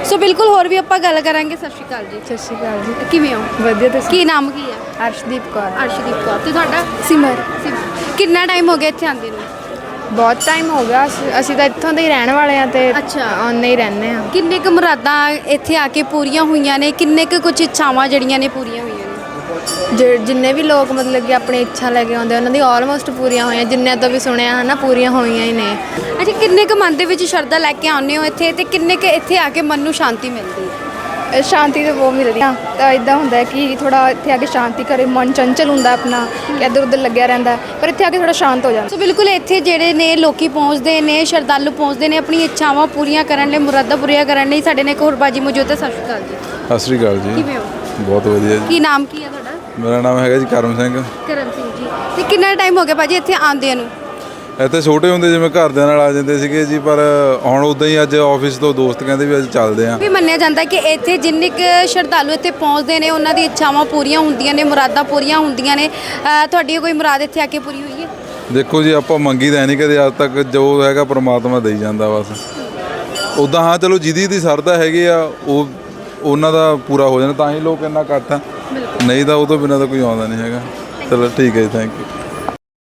ਸੋ ਬਿਲਕੁਲ ਹੋਰ ਵੀ ਆਪਾਂ ਗੱਲ ਕਰਾਂਗੇ। ਸਤਿ ਸ਼੍ਰੀ ਅਕਾਲ ਜੀ। ਸਤਿ ਸ਼੍ਰੀ ਅਕਾਲ ਜੀ। ਕਿਵੇਂ ਹੋ? ਵਧੀਆ ਤੁਸੀਂ? ਕੀ ਨਾਮ ਕੀ ਹੈ? ਅਰਸ਼ਦੀਪ ਕੌਰ। ਅਰਸ਼ਦੀਪ ਕੌਰ। ਤੇ ਤੁਹਾਡਾ? ਸਿਮਰ। ਕਿੰਨਾ ਟਾਈਮ ਹੋ ਗਿਆ ਇੱਥੇ ਆਉਂਦੇ ਨੂੰ? ਬਹੁਤ ਟਾਈਮ ਹੋ ਗਿਆ। ਅਸੀਂ ਤਾਂ ਇੱਥੋਂ ਦੇ ਹੀ ਰਹਿਣ ਵਾਲੇ ਹਾਂ ਤੇ ਅੱਛਾ। ਆਉਂਦੇ ਹੀ ਰਹਿੰਦੇ ਹਾਂ। ਕਿੰਨੇ ਕੁ ਮੁਰਾਦਾਂ ਇੱਥੇ ਆ ਕੇ ਪੂਰੀਆਂ ਹੋਈਆਂ ਨੇ? ਕਿੰਨੇ ਕੁ ਕੁਝ ਇੱਛਾਵਾਂ ਜਿਹੜੀਆਂ ਨੇ ਪੂਰੀਆਂ ਹੋਈਆਂ ਨੇ? ਜਿੰਨੇ ਵੀ ਲੋਕ ਮਤਲਬ ਕਿ ਆਪਣੀ ਇੱਛਾ ਲੈ ਕੇ ਆਉਂਦੇ ਉਹਨਾਂ ਦੀ ਆਲਮੋਸਟ ਪੂਰੀਆਂ ਹੋਈਆਂ। ਜਿੰਨਿਆਂ ਤੋਂ ਵੀ ਸੁਣਿਆ ਹੈ ਨਾ, ਪੂਰੀਆਂ ਹੋਈਆਂ ਹੀ ਨੇ। ਅੱਛਾ, ਕਿੰਨੇ ਕੁ ਮਨ ਦੇ ਵਿੱਚ ਸ਼ਰਧਾ ਲੈ ਕੇ ਆਉਂਦੇ ਹੋ ਇੱਥੇ, ਤੇ ਕਿੰਨੇ ਕੁ ਇੱਥੇ ਆ ਕੇ ਮਨ ਨੂੰ ਸ਼ਾਂਤੀ ਮਿਲਦੀ ਹੈ? ਸ਼ਾਂਤੀ ਤਾਂ ਬਹੁਤ ਮਿਲਦੀ ਆ। ਤਾਂ ਇੱਦਾਂ ਹੁੰਦਾ ਕਿ ਥੋੜ੍ਹਾ ਇੱਥੇ ਆ ਕੇ ਸ਼ਾਂਤੀ ਕਰੇ, ਮਨ ਚੰਚਲ ਹੁੰਦਾ ਆਪਣਾ, ਕਿ ਇੱਧਰ ਉੱਧਰ ਲੱਗਿਆ ਰਹਿੰਦਾ, ਪਰ ਇੱਥੇ ਆ ਕੇ ਥੋੜ੍ਹਾ ਸ਼ਾਂਤ ਹੋ ਜਾਂਦਾ। ਸੋ ਬਿਲਕੁਲ ਇੱਥੇ ਜਿਹੜੇ ਨੇ ਲੋਕੀ ਪਹੁੰਚਦੇ ਨੇ, ਸ਼ਰਧਾਲੂ ਪਹੁੰਚਦੇ ਨੇ ਆਪਣੀਆਂ ਇੱਛਾਵਾਂ ਪੂਰੀਆਂ ਕਰਨ ਲਈ, ਮੁਰਾਦਾਂ ਪੂਰੀਆਂ ਕਰਨ ਲਈ। ਸਾਡੇ ਨੇ ਇੱਕ ਹੋਰ ਬਾਜੀ ਮੌਜੂਦ ਹੈ। ਸਤਿ ਸ਼੍ਰੀ ਅਕਾਲ ਜੀ। ਸਤਿ ਸ਼੍ਰੀ ਅਕਾਲ ਜੀ। ਕਿਵੇਂ ਹੋ? ਬਹੁਤ ਵਧੀਆ ਜੀ। ਕੀ ਨਾਮ ਕੀ ਹੈ ਤੁਹਾਡਾ? ਮੇਰਾ ਨਾਮ ਹੈਗਾ ਜੀ ਕਰਮ ਸਿੰਘ। ਕਰਮ ਸਿੰਘ ਜੀ। ਤੇ ਕਿੰਨਾ ਟਾਈਮ ਹੋ ਗਿਆ ਭਾਜੀ ਇੱਥੇ ਆਉਂਦਿਆਂ ਨੂੰ? ਇੱਥੇ ਛੋਟੇ ਹੁੰਦੇ ਜਿਵੇਂ ਘਰਦਿਆਂ ਨਾਲ ਆ ਜਾਂਦੇ ਸੀਗੇ ਜੀ, ਪਰ ਹੁਣ ਉੱਦਾਂ ਹੀ ਅੱਜ ਆਫਿਸ ਤੋਂ ਦੋਸਤ ਕਹਿੰਦੇ ਵੀ ਅੱਜ ਚੱਲਦੇ ਆਂ। ਵੀ ਮੰਨਿਆ ਜਾਂਦਾ ਕਿ ਇੱਥੇ ਜਿੰਨੇ ਕੁ ਸ਼ਰਧਾਲੂ ਇੱਥੇ ਪਹੁੰਚਦੇ ਨੇ ਉਹਨਾਂ ਦੀ ਇੱਛਾਵਾਂ ਪੂਰੀਆਂ ਹੁੰਦੀਆਂ ਨੇ, ਮੁਰਾਦਾਂ ਪੂਰੀਆਂ ਹੁੰਦੀਆਂ ਨੇ। ਤੁਹਾਡੀ ਕੋਈ ਮੁਰਾਦ ਇੱਥੇ ਆ ਕੇ ਪੂਰੀ ਹੋਈ ਹੈ? ਦੇਖੋ ਜੀ, ਆਪਾਂ ਮੰਗੀ ਤਾਂ ਨਹੀਂ ਕਦੇ ਅੱਜ ਤੱਕ, ਜੋ ਹੈਗਾ ਪ੍ਰਮਾਤਮਾ ਦੇਈ ਜਾਂਦਾ ਬਸ। ਉੱਦਾਂ ਹਾਂ ਚਲੋ ਜਿਹਦੀ ਦੀ ਸਰਦਾ ਹੈਗੀ ਆ ਉਹ ਉਹਨਾਂ ਦਾ ਪੂਰਾ ਹੋ ਜਾਂਦਾ, ਤਾਂ ਹੀ ਲੋਕ ਇੰਨਾ ਇਕੱਠ ਆ, ਨਹੀਂ ਤਾਂ ਉਹ ਤੋਂ ਬਿਨਾਂ ਤਾਂ ਕੋਈ ਆਉਂਦਾ ਨਹੀਂ ਹੈਗਾ। ਚਲੋ ਠੀਕ ਹੈ ਜੀ, ਥੈਂਕ ਯੂ।